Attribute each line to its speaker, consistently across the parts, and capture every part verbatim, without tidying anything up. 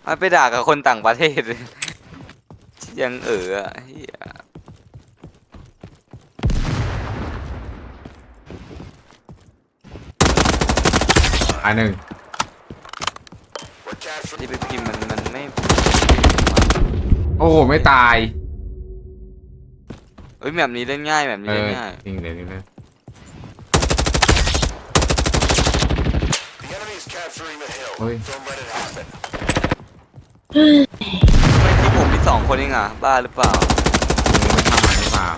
Speaker 1: มันไปด่ากับคนต่างประเทศยังเอออะเฮีย
Speaker 2: อันหนึ่ง
Speaker 1: ที่ไปพิมพ์มันมันไม่
Speaker 2: โอ้โหไม่ตาย
Speaker 1: เอ้ยแบบนี้เล่นง่ายแบบ
Speaker 2: เออ
Speaker 1: นี้เล่นง่าย
Speaker 2: จริงเดี๋ยวนี้เลยเฮ้ย
Speaker 1: ทำไมที่ผมมีสองคนเองอ่ะบ้าหรือเปล่า
Speaker 2: มึงไม่ทำมันหรือเปล่า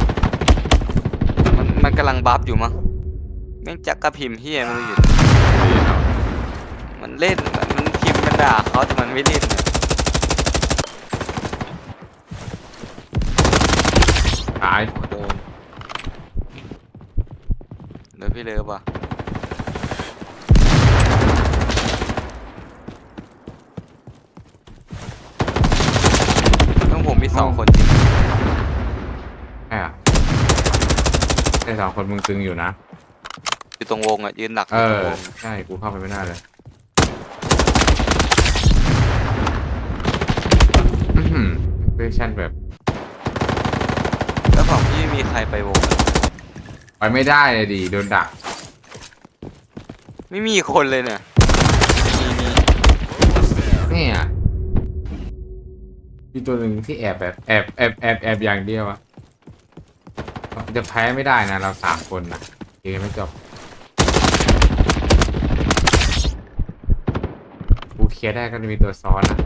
Speaker 1: มันมันกำลังบัฟอยู่มั้งแม่งจักกระพิมพ์เฮียมันอยู่มันเล่นมันพิมพ์มันด่าเขาแต่มันไม่เล่นเนี่ย
Speaker 2: ตาย
Speaker 1: โดนเดี๋ยวพี่เลิฟอ่ะต้องผมมีสองคนจริง
Speaker 2: ใช่อะไอ้สองคนมึงตึงอยู่นะ
Speaker 1: อยู่ตรงวงอ่ะยืนหนักอ
Speaker 2: เอยู่
Speaker 1: ตร
Speaker 2: อง
Speaker 1: วง
Speaker 2: ใช่กูเข้าไปไม่ได้เลยอือหือเวอร์ชันแบบ
Speaker 1: แล้วฝั่งพี่มีใครไปวงอะ
Speaker 2: ไปไม่ได้เลยดิโดนดัก
Speaker 1: ไม่มีคนเลยเนี่ยมีมี
Speaker 2: เนี่ยมีตัวหนึ่งที่แอบแบบแอบแอบแอบแอบอย่างเดียวอะจะแพ้ไม่ได้นะเราสามคนนะเกมไม่จบกูเคลียร์ได้ก็จะมีตัวซ้อนอ่ะ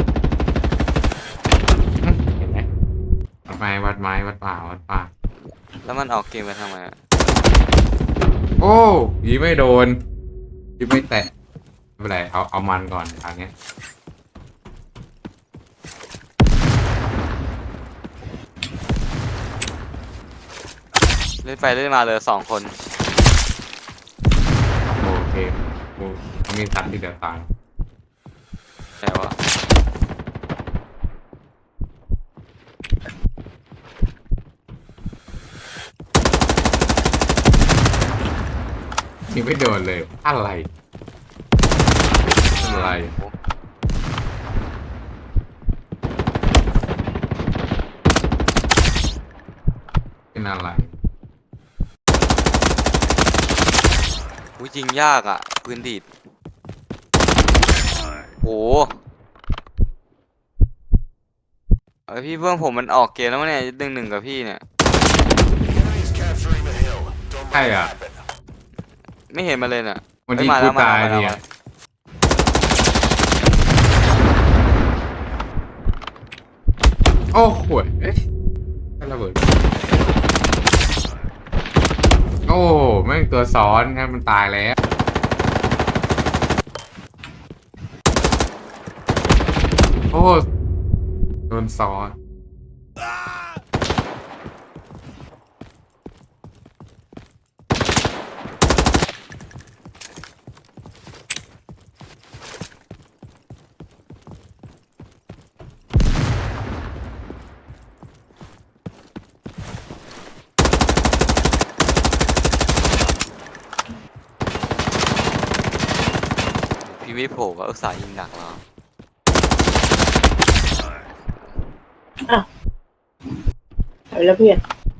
Speaker 2: อื้อเห็นไหมวัดไม้วัดไม้วัดป่าวัดป่า
Speaker 1: แล้วมันออกเกมไปทำไมอะ
Speaker 2: โอ้ยีไม่โดนยีไม่แตะไม่เป็นไรเอาเอามันก่อนทางเนี้ย
Speaker 1: เล่นไปเล่นมาเลยสองคน
Speaker 2: โอเคกูเขามีสัตว์ที่เดือดตาย
Speaker 1: แต่ว่า
Speaker 2: ยิงไม่โดนเลยอะไรอะไรเป็นอะไร
Speaker 1: อุ้ยจริงยากอ่ะปืนดีดโหเอ้ยพี่เพื่อนผมมันออกเกมแล้วมั้งเนี่ยหนึ่งหนึ่งกับพี่เนี่ย
Speaker 2: ใช่อ่ะ
Speaker 1: ไม่เห็นมาเลยเนี่ย
Speaker 2: วัน
Speaker 1: เฮ้ย
Speaker 2: ที่กู
Speaker 1: มาแล้วมาแล้ว
Speaker 2: ตายเนี่ย
Speaker 1: มาแล้วมาแล้ว
Speaker 2: โอ้โหเอ๊ะระเบิดโอ้แม่งตัวซ้อนครับมันตายแล้วโอ้โดนซ้อน
Speaker 1: พี่ไม่โผล่ก็อุตส่าห์ยิงดักเรา
Speaker 3: อ้าวเอาแล้วเพื่อน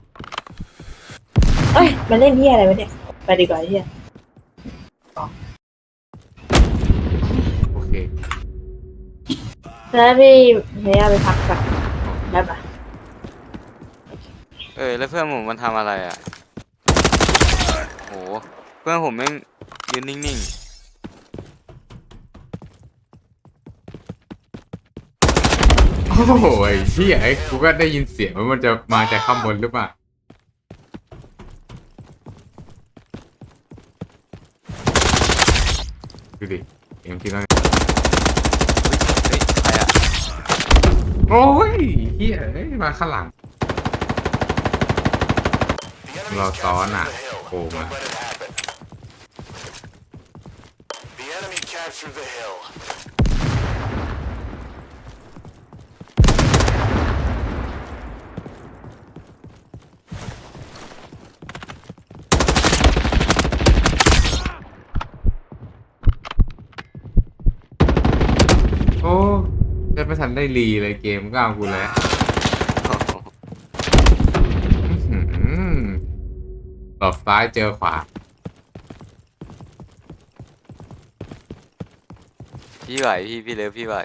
Speaker 3: เอ้ยมาเล่นที่อะไรวะเนี่ยไปดีกว่าที่
Speaker 2: โอเค
Speaker 3: แล้วพี่เฮียไปพักก่อนได้ปะ
Speaker 1: เออแล้วเพื่อนผมมันทำอะไรอ่ะโหเพื่อนผมแม่งยืนนิ่ง
Speaker 2: โอ้โหไอ้เหี้ยไอ้กูก็ได้ยินเสียงว่ามันจะมาจากข้างบนหรือเปล่าดูดิเอ็มคิดว่า
Speaker 1: ๆเฮ้ยใครอ่ะ
Speaker 2: โอ้ยเฮียเอ้ยมาข้างหลังเราซ้อนอ่ะโผล่มาโอ้จะไม่ทันได้รีเลยเกมก็เอากูแล้วอื้อหือหลบซ้ายเจอขวา
Speaker 1: พี่ไหวพี่พี่เลิฟพี่ไหว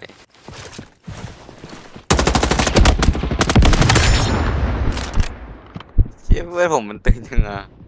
Speaker 1: เชี่ยเพื่อนผมมันตึงจังอะ